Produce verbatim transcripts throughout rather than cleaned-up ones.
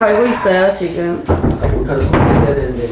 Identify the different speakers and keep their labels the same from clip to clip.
Speaker 1: 알고 있어요 지금.
Speaker 2: 몰카를 성공했어야 되는데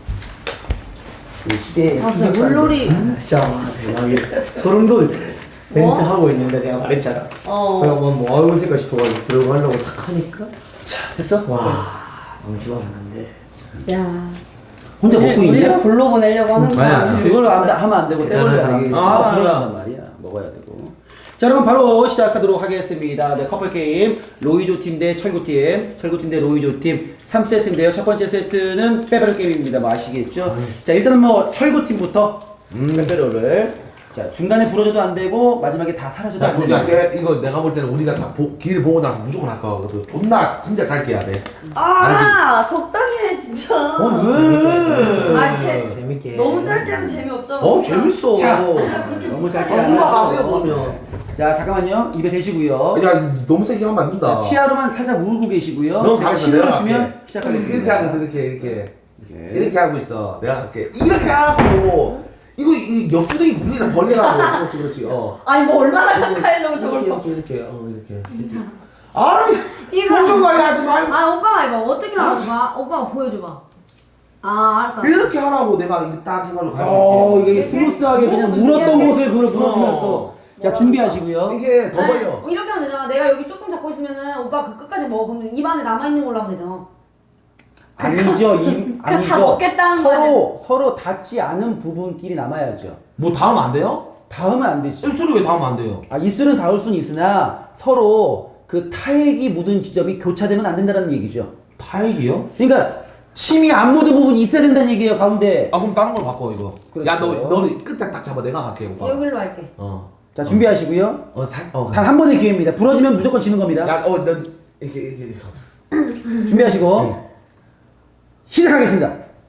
Speaker 2: 이 시대의
Speaker 1: 아, 진짜 물놀이.
Speaker 3: 진짜 대박이야. 소름 돋을 멘트
Speaker 1: 뭐?
Speaker 3: 하고 있는데 내가 말했잖아.
Speaker 1: 어.
Speaker 3: 그냥 뭐, 뭐 하고 있을까 싶어가지고 들어가려고 하려고 탁 하니까
Speaker 2: 자 됐어?
Speaker 3: 와 망치면 안 돼.
Speaker 1: 야.
Speaker 2: 혼자 먹고 있냐?
Speaker 1: 우리를 골로 보내려고 하는
Speaker 2: 아니야
Speaker 1: 거야.
Speaker 2: 그걸 안, 하면 안 되고 세월이 안 되게
Speaker 3: 아,
Speaker 2: 들어간단 말이야 먹어야 되고 자 여러분 바로 시작하도록 하겠습니다. 네, 커플 게임 로이조 팀 대 철구 팀 철구 팀 대 로이조 팀 삼 세트인데요. 첫 번째 세트는 빼빼로 게임입니다. 뭐 아시겠죠? 음. 자 일단은 뭐 철구 팀부터 음. 빼빼로를 자 중간에 부러져도 안 되고 마지막에 다 사라져도 안
Speaker 4: 야,
Speaker 2: 되고
Speaker 4: 쟤 이거 내가 볼 때는 우리가 다 보, 길을 보고 나서 무조건 할 거거든. 존나 진짜 짧게 해야 돼.
Speaker 1: 아 적당히 해 진짜.
Speaker 4: 어 왜?
Speaker 1: 아, 쟤
Speaker 3: 재밌게.
Speaker 1: 너무 짧게 하면 재미없잖아.
Speaker 4: 어 재밌어.
Speaker 2: 자,
Speaker 4: 아,
Speaker 2: 너무 짧게
Speaker 4: 훌륭하세요 그러면.
Speaker 2: 자 잠깐만요 입에 대시고요.
Speaker 4: 야 너무 세게 하면 안 된다.
Speaker 2: 자 치아로만 살짝 물고 계시고요.
Speaker 4: 너무
Speaker 2: 제가
Speaker 4: 강해서
Speaker 2: 신호를
Speaker 4: 내가
Speaker 2: 주면
Speaker 4: 할게.
Speaker 2: 시작하겠습니다.
Speaker 4: 이렇게 하고 있어 이렇게 이렇게
Speaker 2: 이렇게.
Speaker 4: 이렇게 하고 있어. 내가 할게. 이렇게 하고 이거 이 옆구덩이 굴리다 벌리라고. 그렇지 그렇지. 어.
Speaker 1: 아니 뭐 얼마나 가까이 하려고 저걸
Speaker 4: 이렇게
Speaker 1: 봐.
Speaker 4: 이렇게 이렇게 어 이렇게. 아니
Speaker 1: 이거
Speaker 4: 그런 거 하지 말고
Speaker 1: 아 오빠가 해봐. 어떻게 하는가? 오빠가 보여줘봐. 아 알았어.
Speaker 4: 이렇게 하라고 내가 이거 딱 해가지고 갈 수
Speaker 2: 어
Speaker 4: 있게.
Speaker 2: 이게 스무스하게 그냥 물었던 곳을 그걸 물어주면서 자 준비하시고요.
Speaker 4: 이게 더 벌려.
Speaker 1: 아니, 이렇게 하면 되잖아. 내가 여기 조금 잡고 있으면은 오빠 그 끝까지 먹어. 그러면 입 안에 남아 있는 걸로 하면 되잖아.
Speaker 2: 아니죠, 이,
Speaker 1: 다
Speaker 2: 아니죠.
Speaker 1: 먹겠다는
Speaker 2: 서로 서로 닿지 않은 부분끼리 남아야죠.
Speaker 4: 뭐 닿으면 안 돼요?
Speaker 2: 닿으면 안 되지.
Speaker 4: 입술이 왜 닿으면 안 돼요?
Speaker 2: 아 입술은 닿을 수는 있으나 서로 그 타액이 묻은 지점이 교차되면 안 된다는 얘기죠.
Speaker 4: 타액이요?
Speaker 2: 그러니까 침이 안 묻은 부분이 있어야 된다는 얘기예요 가운데.
Speaker 4: 아 그럼 다른 걸 바꿔 이거.
Speaker 2: 그렇죠.
Speaker 4: 야 너 너는 끝에 딱 잡아 내가 갈게 오빠.
Speaker 1: 여기로 할게.
Speaker 4: 어.
Speaker 2: 자 준비하시고요.
Speaker 4: 어 살. 어.
Speaker 2: 단 한 번의 기회입니다. 부러지면 무조건 지는 겁니다.
Speaker 4: 야어너 이렇게 이렇게 이렇게.
Speaker 2: 준비하시고
Speaker 4: 네.
Speaker 2: 시작하겠습니다.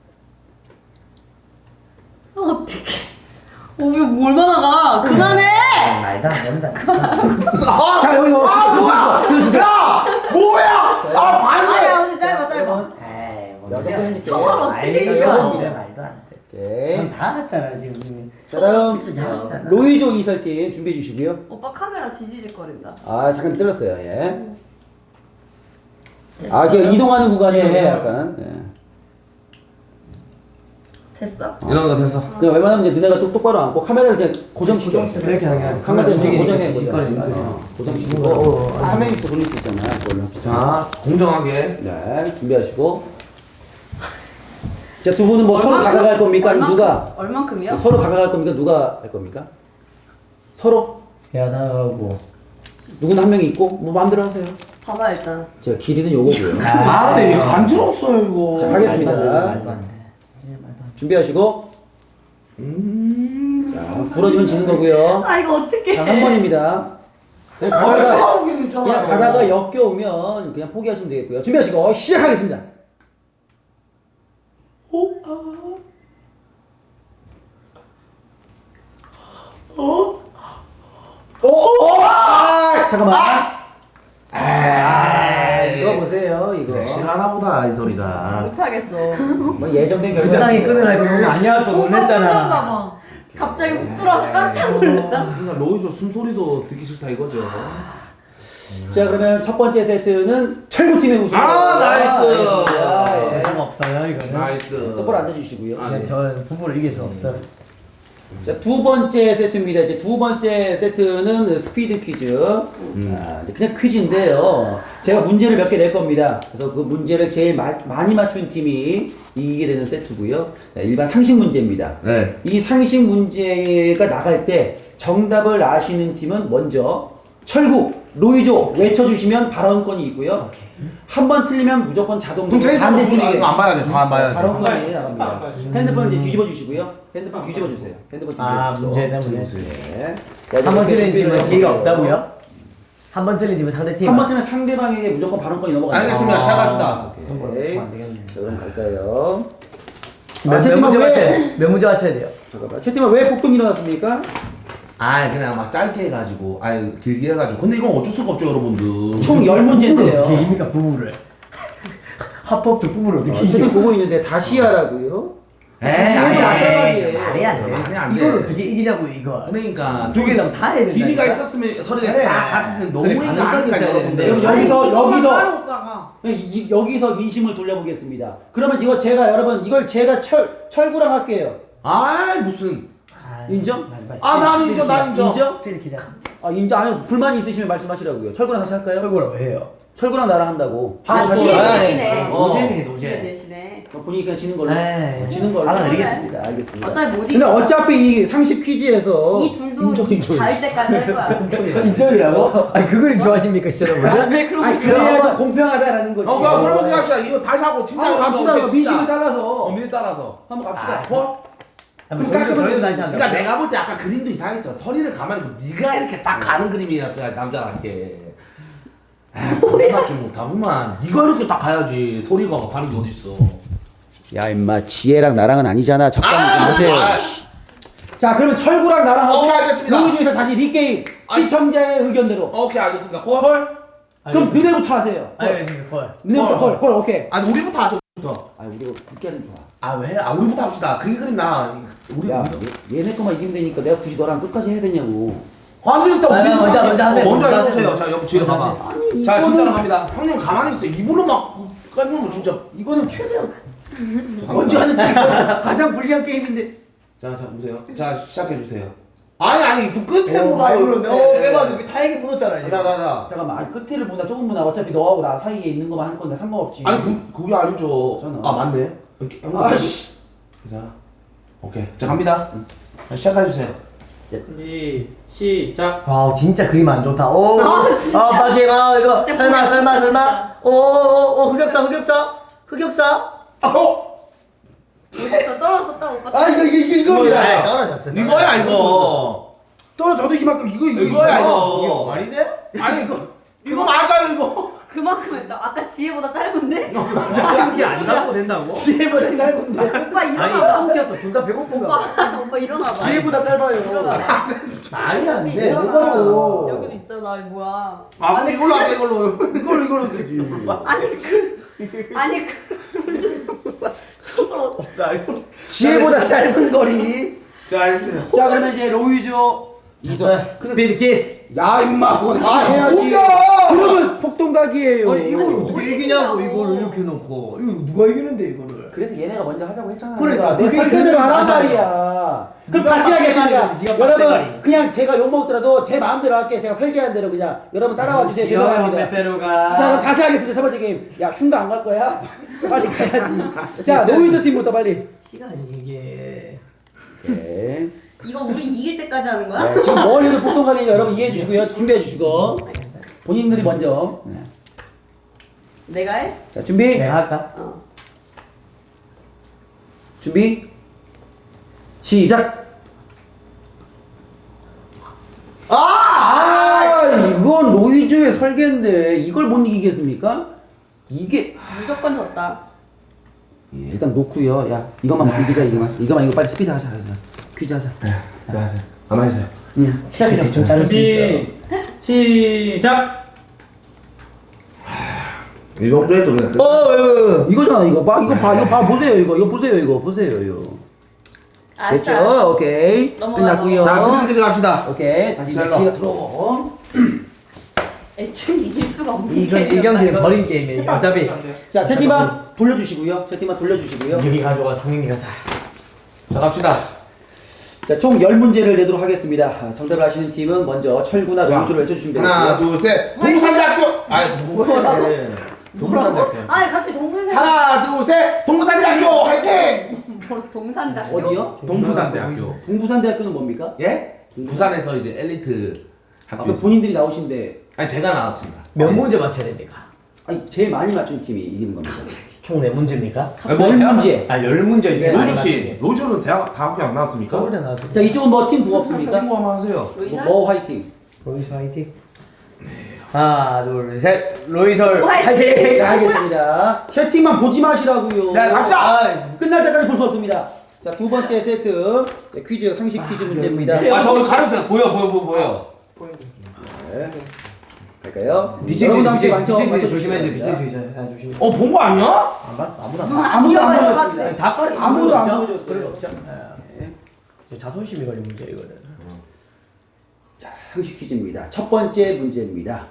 Speaker 1: 아, 어떡해. 어, 이거 뭘 많아가. 그만해!
Speaker 3: 말도 안 된다.
Speaker 2: 자 여기서
Speaker 4: 아 뭐야? 야 뭐야? 아 반대.
Speaker 1: 아니야, 오늘 짧아, 짧아.
Speaker 2: 여러분
Speaker 3: 에이 뭐
Speaker 2: 여섯
Speaker 3: 소리야.
Speaker 2: 번째.
Speaker 1: 저걸 어떻게
Speaker 3: 말도
Speaker 1: 이겨?
Speaker 3: 안 돼, 말도 안 돼.
Speaker 2: 오케이.
Speaker 3: 넌다 했잖아 지금.
Speaker 2: 자 다음
Speaker 3: 다 했잖아.
Speaker 2: 로이조 이설팀 준비해 주시고요.
Speaker 1: 오빠 카메라 지지직거린다.
Speaker 2: 아 잠깐 떨렸어요. 예. 아 그냥 이동하는 구간에 약간. 예.
Speaker 1: 됐어?
Speaker 4: 이런 거 됐어.
Speaker 2: 그냥 웬만하면 이제 너네가 똑, 똑바로 앉고 카메라를 그냥 고정시켜.
Speaker 3: 이렇게 하는 게
Speaker 2: 카메라 좀 고정해.
Speaker 3: 시끄러니까.
Speaker 2: 어, 고정시키고 한 명씩 돌릴 수 있잖아. 그걸로.
Speaker 4: 자 공정하게.
Speaker 2: 네 준비하시고. 자 두 분은 뭐 서로 다가갈 겁니까? 아니면 누가
Speaker 1: 얼만큼이요?
Speaker 2: 서로 다가갈 겁니까? 누가 할 겁니까? 서로
Speaker 3: 야다하고.
Speaker 2: 누구나 한 명이 있고 뭐 마음대로 하세요.
Speaker 1: 봐봐 일단.
Speaker 2: 제가 길이는 요거고요.
Speaker 4: 아 근데 이거 간지러웠어요 이거.
Speaker 2: 자, 가겠습니다.
Speaker 3: 말도 안 돼. 진짜 말도 안 돼.
Speaker 2: 준비하시고.
Speaker 4: 음.
Speaker 2: 자 부러지면 지는 거고요.
Speaker 1: 아 이거 어떡해.
Speaker 2: 자 한 번입니다. 그냥
Speaker 4: 아,
Speaker 2: 가다가
Speaker 4: 싸우기는 있잖아요.
Speaker 2: 그냥 가다가 역겨우면 그냥 포기하시면 되겠고요. 준비하시고 시작하겠습니다.
Speaker 4: 어? 어?
Speaker 2: 어? 어? 아, 잠깐만.
Speaker 4: 아.
Speaker 2: 이거 보세요. 이거
Speaker 4: 싫어하나 보다 이 소리가.
Speaker 1: 못하겠어.
Speaker 2: 뭐 예정된 결과.
Speaker 3: 적당히 끊으라고 너무 아니었어
Speaker 1: 오빠 표정
Speaker 3: 놀랬잖아.
Speaker 1: 봐봐. 갑자기 훅 들어와서 깜짝 놀랐다.
Speaker 4: 그러니까 로이조 숨소리도 듣기 싫다 이거죠.
Speaker 2: 자 그러면 첫 번째 세트는 철구 팀의 우승.
Speaker 4: 아, 나이스.
Speaker 2: 아, 예.
Speaker 3: 재수가 없어요 이거는.
Speaker 4: 나이스.
Speaker 2: 똑바로 앉아주시고요.
Speaker 4: 아,
Speaker 3: 그냥 저는 부부를 이길 수 없어.
Speaker 2: 자, 두 번째 세트입니다. 이제 두 번째 세트는 스피드 퀴즈. 아, 이제 그냥 퀴즈인데요. 제가 문제를 몇 개 낼 겁니다. 그래서 그 문제를 제일 마, 많이 맞춘 팀이 이기게 되는 세트고요. 네, 일반 상식 문제입니다.
Speaker 4: 네.
Speaker 2: 이 상식 문제가 나갈 때 정답을 아시는 팀은 먼저 철구, 로이조 외쳐주시면 발언권이 있고요. 한 번 틀리면 무조건 자동으로
Speaker 4: 그럼 제일
Speaker 2: 반대
Speaker 4: 처음
Speaker 2: 팀에게
Speaker 4: 이거 안 봐야지. 다 안 봐야지.
Speaker 2: 발언권이 나갑니다. 핸드폰 이제 뒤집어 주시고요. 핸드폰 뒤집어 주세요. 핸드폰 뒤집어
Speaker 3: 아
Speaker 2: 주시고.
Speaker 3: 문제 때문에.
Speaker 2: 네.
Speaker 3: 한 번 틀린
Speaker 2: 준비를
Speaker 3: 팀은 기회가
Speaker 2: 해볼게요.
Speaker 3: 없다고요? 한 번 틀린 팀은 상대 팀.
Speaker 2: 한 번 틀리면 상대방에게 무조건 발언권이 넘어가요.
Speaker 4: 알겠습니다. 시작합시다.
Speaker 3: 한번
Speaker 2: 오케이.
Speaker 3: 맞추면 안 되겠네.
Speaker 2: 자, 그럼 갈까요?
Speaker 3: 몇,
Speaker 2: 아,
Speaker 3: 몇
Speaker 2: 채팅방
Speaker 3: 문제
Speaker 2: 왜?
Speaker 3: 맞춰야 몇 문제 맞춰야 돼요?
Speaker 2: 잠깐만. 채팅방 왜 폭동이 일어났습니까?
Speaker 4: 아 그냥 막 짧게 해가지고 아니 길게 해가지고 근데 이건 어쩔 수가 없죠 여러분들.
Speaker 2: 총 열 문제인데요.
Speaker 3: 어떻게 이깁니까 부부를? 합법도 부부를 어떻게
Speaker 2: 어, 채팅
Speaker 3: 이겨?
Speaker 2: 보고 있는데 다시 하라고요?
Speaker 4: 에이
Speaker 2: 다시 해도
Speaker 4: 아니, 아니,
Speaker 2: 마찬가지예요.
Speaker 3: 말이 안 돼.
Speaker 4: 말이 안 돼.
Speaker 3: 이걸 어떻게 이기냐고 이거.
Speaker 4: 그러니까
Speaker 3: 두 개는 다 해야 된다.
Speaker 4: 기미가 있었으면 서리가
Speaker 3: 그래.
Speaker 4: 다 갔을 때 너무
Speaker 3: 그래,
Speaker 4: 이거
Speaker 3: 가능성이
Speaker 4: 아니까
Speaker 3: 있어야
Speaker 4: 여러분들.
Speaker 3: 되는데.
Speaker 2: 여러분, 여기서
Speaker 1: 이거만
Speaker 2: 여기서
Speaker 1: 따로 오빠가.
Speaker 2: 이, 이, 여기서 민심을 돌려보겠습니다. 그러면 이거 제가 여러분 이걸 제가 철 철구랑 할게요.
Speaker 4: 아 무슨
Speaker 2: 인정?
Speaker 4: 아, 난 인정, 난 인정.
Speaker 2: 인정?
Speaker 3: 스피드 키자.
Speaker 2: 아 인정. 아니 불만이 있으시면 말씀하시라고요. 철구랑 다시 할까요?
Speaker 3: 철거라고 해요.
Speaker 2: 철구랑 나랑 한다고.
Speaker 1: 아,
Speaker 3: 아,
Speaker 1: 지혜
Speaker 3: 아,
Speaker 1: 대신에.
Speaker 3: 어. 노잼이네
Speaker 1: 지혜
Speaker 3: 노잼.
Speaker 1: 대신에.
Speaker 2: 어, 보니까 지는 걸로.
Speaker 3: 에이,
Speaker 2: 지는 걸로.
Speaker 3: 받아드리겠습니다.
Speaker 2: 알겠습니다.
Speaker 1: 어차피 못
Speaker 2: 근데
Speaker 1: 이겨.
Speaker 2: 어차피 이 상식 퀴즈에서
Speaker 1: 이 둘도
Speaker 4: 인정, 인정,
Speaker 1: 닿을 때까지 할 거야.
Speaker 3: 인정이라고? 아니 그 그림 좋아하십니까 시청자분들?
Speaker 1: 왜 그런
Speaker 2: 아니
Speaker 1: 거야?
Speaker 2: 그래야지 공평하다라는 거지.
Speaker 4: 어 그럼 그럼 그렇게 합시다. 이거 다시 하고 진짜
Speaker 2: 한번 갑시다.
Speaker 4: 오케이,
Speaker 2: 민심을
Speaker 4: 진짜.
Speaker 2: 따라서.
Speaker 4: 어 민을 따라서
Speaker 2: 한번 갑시다.
Speaker 3: 아,
Speaker 4: 콜?
Speaker 3: 한번 저희도 저희도 다시 한다.
Speaker 4: 그러니까 내가 볼 때 아까 그림도 이상했어. 서리를 가만히 보고 네가 이렇게 딱 가는 그림이었어야 남자한테. 아, 내가 좀 못하구만. 네가 이렇게 딱 가야지. 소리가 가는 게 어딨어.
Speaker 2: 야 임마 지혜랑 나랑은 아니잖아. 적당히 좀
Speaker 4: 아,
Speaker 2: 하세요.
Speaker 4: 아,
Speaker 2: 자 그러면 철구랑 나랑 하고
Speaker 4: 오케이, 알겠습니다.
Speaker 2: 여기 중에서 다시 리게임
Speaker 4: 아니.
Speaker 2: 시청자의 의견대로
Speaker 4: 오케이 알겠습니다. 콜?
Speaker 2: 콜? 그럼
Speaker 3: 알겠습니다.
Speaker 2: 너네부터 하세요. 콜.
Speaker 3: 알겠습니다. 콜.
Speaker 2: 너네부터
Speaker 4: 콜.
Speaker 2: 콜. 콜 오케이.
Speaker 4: 아니 우리부터 하죠. 부터.
Speaker 2: 아 우리가 그렇게 하는 게 좋아.
Speaker 4: 아 왜? 아 우리부터 합시다. 그게 그림 나. 우리
Speaker 2: 야
Speaker 4: 우리-
Speaker 2: 얘, 얘네 거만 이기면 되니까 내가 굳이 너랑 끝까지 해야 되냐고.
Speaker 4: 아니 일단
Speaker 3: 아,
Speaker 4: 우리
Speaker 3: 먼저, 먼저 하세요.
Speaker 4: 먼저
Speaker 3: 먼저
Speaker 4: 해보세요.
Speaker 3: 하세요.
Speaker 4: 자 여기 뒤로
Speaker 3: 먼저
Speaker 4: 가봐.
Speaker 2: 아니
Speaker 4: 자
Speaker 2: 이거는
Speaker 4: 진짜로 갑니다. 형님 가만히 있어. 입으로 막 까면 진짜.
Speaker 2: 이거는 최대한
Speaker 4: 잠깐만.
Speaker 2: 먼저 하는 게 가장 불리한 게임인데.
Speaker 4: 자, 자 보세요. 자 시작해 주세요. 아니 아니 좀 끝에
Speaker 3: 어,
Speaker 4: 보라요.
Speaker 3: 아이고, 어, 빼봐도 다행히 묻었잖아. 이제.
Speaker 4: 나나나.
Speaker 2: 잠깐만 아니, 끝에를 보나 조금 보나 어차피 너하고 나 사이에 있는 것만 할 건데 상관없지.
Speaker 4: 아니 그 그게 아니죠.
Speaker 2: 저는.
Speaker 4: 아 맞네. 이렇게
Speaker 2: 아씨.
Speaker 4: 자 오케이. 자 갑니다. 자, 시작해 주세요.
Speaker 5: 시, 시작.
Speaker 3: 아 진짜 그림 안 좋다. 오.
Speaker 1: 아, 진짜.
Speaker 3: 아 마지막 이거
Speaker 1: 진짜
Speaker 3: 설마
Speaker 1: 그림
Speaker 3: 설마
Speaker 1: 좋다,
Speaker 3: 설마.
Speaker 1: 진짜.
Speaker 3: 오오오 흑역사 흑역사 흑역사.
Speaker 4: 어
Speaker 1: 떨어졌어, 떨어졌다 오빠.
Speaker 2: 아 이거 이거 이거
Speaker 3: 아,
Speaker 2: 이겁니다.
Speaker 3: 떨어졌어.
Speaker 4: 이거야 이거.
Speaker 2: 떨어져도 이만큼 이거 이거
Speaker 4: 이거야
Speaker 3: 이게
Speaker 4: 이거.
Speaker 3: 말이 돼?
Speaker 4: 아니 이거 이거 맞아요 이거.
Speaker 1: 그만큼 했다. 아까 지혜보다 짧은데?
Speaker 3: 이게 안 갖고 된다고?
Speaker 2: 지혜보다 짧은데.
Speaker 1: 오빠
Speaker 3: 아니
Speaker 1: 일어나봐.
Speaker 3: 삼켰어. 둘 다 배고픈가?
Speaker 1: 오빠, 오빠 일어나봐.
Speaker 2: 지혜보다 짧아요.
Speaker 1: 일어나봐.
Speaker 3: 말이 안
Speaker 1: 여기
Speaker 3: 돼.
Speaker 1: 있잖아.
Speaker 2: 뭐가요?
Speaker 1: 여기도 있잖아. 이거 뭐야?
Speaker 4: 아 근데 이걸로 할게 이걸로.
Speaker 2: 이걸로 이걸로 되지.
Speaker 1: 아니 그 아니 그 무슨 저걸
Speaker 4: 자 이걸로.
Speaker 2: 지혜보다 짧은 거리.
Speaker 4: 자 해주세요.
Speaker 2: 자 그러면 이제 로이조 이선.
Speaker 3: 스피드 키스.
Speaker 2: 야 임마 그건 다 해야지.
Speaker 3: 뭐야?
Speaker 2: 그러면 폭동각이에요.
Speaker 3: 아니 이걸 어떻게 이기냐고 이거를 이렇게 놓고 이거 누가 이기는데 이거를?
Speaker 2: 그래서 얘네가 먼저 하자고 했잖아.
Speaker 3: 그러니까,
Speaker 2: 내
Speaker 3: 그게
Speaker 2: 설계대로
Speaker 3: 그게
Speaker 2: 하란
Speaker 3: 맞아요.
Speaker 2: 말이야. 그럼
Speaker 3: 네가
Speaker 2: 다시 하겠습니다.
Speaker 3: 빡대가리, 네가
Speaker 2: 여러분
Speaker 3: 빡대가리.
Speaker 2: 그냥 제가 욕 먹더라도 제 마음대로 할게. 제가 설계한 대로 그냥 여러분 따라와 주세요. 죄송합니다.
Speaker 3: 페페로가.
Speaker 2: 자 그럼 다시 하겠습니다. 첫 번째 게임. 야 흉도 안 갈 거야? 빨리 가야지. 자 로이조 팀부터 빨리.
Speaker 3: 시간이 이게.
Speaker 2: 네.
Speaker 1: 이거 우리 이길 때까지 하는 거야?
Speaker 2: 네, 지금 뭘 해도 폭동각이니까 여러분 이해해 주시고요. 준비해 주시고 본인들이 먼저. 네.
Speaker 1: 내가 해?
Speaker 2: 자 준비.
Speaker 3: 내가 할까?
Speaker 1: 어.
Speaker 2: 준비. 시작.
Speaker 3: 아!
Speaker 2: 아 이건 로이조의 설계인데 이걸 못 이기겠습니까? 이게
Speaker 1: 무조건 졌다.
Speaker 2: 예, 일단 놓고요. 야 이것만 못 이기자 이거만. 이거만 이거 빨리 스피드 하자. 하자. 퀴즈 하자.
Speaker 4: 네. 안녕하세요. 가만히 있어요.
Speaker 2: 응. 시작해.
Speaker 3: 대충 자를 수 있어.
Speaker 5: 준비, 시작.
Speaker 4: 이 정도 해도 그냥. 끝.
Speaker 3: 어, 어,
Speaker 2: 이거잖아 이거 봐 이거 봐 이거 봐 보세요 이거 이거 보세요 이거 보세요 이거.
Speaker 1: 알았어.
Speaker 2: 됐죠? 오케이.
Speaker 1: 넘어가,
Speaker 2: 끝났고요.
Speaker 4: 자 스피드 퀴즈 갑시다.
Speaker 2: 오케이 다시
Speaker 4: 잘
Speaker 2: 매치가 들어오고.
Speaker 1: 애초에 이길 수가 없는
Speaker 3: 이건 이
Speaker 1: 게임이었다,
Speaker 3: 경기는
Speaker 1: 이거.
Speaker 3: 버린 게임이에요. 어차피
Speaker 2: 자 채팅방 돌려주시고요. 채팅방 돌려주시고요.
Speaker 3: 여기 가져가 상민이 가자.
Speaker 4: 자 갑시다.
Speaker 2: 자, 총 열 문제를 내도록 하겠습니다. 아, 정답을 아시는 팀은 먼저 철구나
Speaker 4: 자,
Speaker 2: 로이조를 외쳐주시면
Speaker 4: 하나
Speaker 2: 되고요.
Speaker 4: 둘 셋. 동부산대학교. 아니
Speaker 1: 뭐라고?
Speaker 4: 동부산대학교.
Speaker 1: 아니 갑자기 동문생
Speaker 4: 하나 둘 셋. 동부산대학교 화이팅.
Speaker 1: 뭐 동산작
Speaker 2: 어디요?
Speaker 4: 동부산대학교.
Speaker 2: 동부산대학교는 뭡니까?
Speaker 4: 예? 부산에서 이제 엘리트
Speaker 2: 아까
Speaker 4: 학교에서.
Speaker 2: 본인들이 나오신데
Speaker 4: 아니 제가 나왔습니다.
Speaker 3: 몇 문제 맞춰야 됩니까?
Speaker 2: 아니 제일 많이 맞춘 팀이 이기는 겁니다.
Speaker 3: 총 네 문제입니까?
Speaker 4: 아니, 뭐
Speaker 2: 열
Speaker 4: 대학-
Speaker 2: 문제.
Speaker 3: 아, 열 문제 중에 많이
Speaker 4: 로즈
Speaker 3: 맞춘
Speaker 4: 씨,
Speaker 3: 게.
Speaker 4: 로즈는 대학 다 학교 안 나왔습니까?
Speaker 3: 서울대 나왔어.
Speaker 2: 자, 이쪽은 뭐 팀 부가 없습니까?
Speaker 4: 친구 한번 하세요.
Speaker 2: 뭐,
Speaker 1: 로이설?
Speaker 2: 뭐 화이팅.
Speaker 3: 로이설 화이팅. 하나, 둘, 셋. 로이설
Speaker 1: 화이팅!
Speaker 3: 화이팅!
Speaker 2: 네, 알겠습니다. 채팅만 보지 마시라고요.
Speaker 4: 네, 갑시다.
Speaker 3: 아,
Speaker 2: 끝날 때까지 볼 수 없습니다. 자, 두 번째 세트. 네, 퀴즈, 상식 퀴즈 문제입니다.
Speaker 4: 아 저기 가려주세요. 보여 보여 보여 보여.
Speaker 2: 네. 갈까요?
Speaker 3: 비치수
Speaker 2: 여러분도 함께
Speaker 3: 비치수
Speaker 2: 맞춰-
Speaker 3: 비치수
Speaker 2: 맞춰주시기
Speaker 3: 조심해야 돼.
Speaker 2: 바랍니다.
Speaker 3: 비치수 아, 조심해.
Speaker 4: 어 본 거 아니야?
Speaker 3: 안 봤어. 아무도 안
Speaker 1: 누가
Speaker 3: 봤어.
Speaker 2: 아무도 안
Speaker 1: 이어가요,
Speaker 2: 보여줬습니다.
Speaker 1: 이어가요.
Speaker 3: 다 빠르지.
Speaker 2: 아무도 안
Speaker 3: 없죠?
Speaker 2: 보여줬어요.
Speaker 3: 그래 없죠. 자존심이 걸린 문제 이거는.
Speaker 2: 자, 상식 퀴즈입니다. 첫 번째 문제입니다.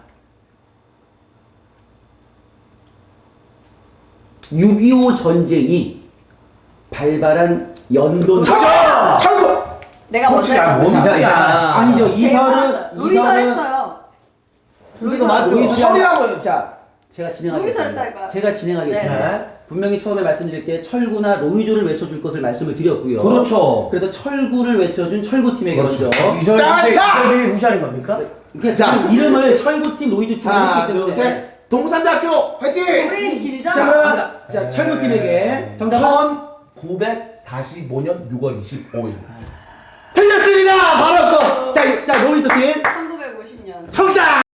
Speaker 2: 육이오 전쟁이 발발한 연도는
Speaker 4: 철구.
Speaker 1: 내가 먼저
Speaker 4: 솔직히 아, 뭔
Speaker 1: 했거든요.
Speaker 4: 소리야.
Speaker 2: 아니죠.
Speaker 1: 제가
Speaker 2: 이설은
Speaker 1: 알았어요. 로이서 했어요.
Speaker 3: 로이서 맞죠?
Speaker 2: 로이설이
Speaker 4: 설이라고요.
Speaker 2: 아니라- 자, 제가 진행하겠습니다.
Speaker 1: 로이서 했다니까요.
Speaker 2: 제가 진행하겠습니다.
Speaker 1: 네.
Speaker 2: 분명히 처음에 말씀드릴 때 철구나 로이조를 외쳐줄 것을 말씀을 드렸고요.
Speaker 4: 그렇죠.
Speaker 2: 그래서 철구를 외쳐준 철구팀에게
Speaker 4: 그렇죠.
Speaker 2: 먼저
Speaker 3: 이설이
Speaker 4: 따사!
Speaker 3: 이설이 무시하는 겁니까?
Speaker 2: 그러니까 그 이름을 철구팀, 로이조팀으로
Speaker 4: 하나,
Speaker 2: 했기
Speaker 4: 둘,
Speaker 2: 때문에
Speaker 4: 셋. 동산대학교 화이팅!
Speaker 1: 우린 길잖아.
Speaker 2: 자, 그러면 자, 철구팀에게 정답은
Speaker 4: 천구백사십오 년 유월 이십오일.
Speaker 2: 틀렸습니다. 바로 또 자, 자 로이조팀
Speaker 1: 천구백오십 년.
Speaker 2: 정답.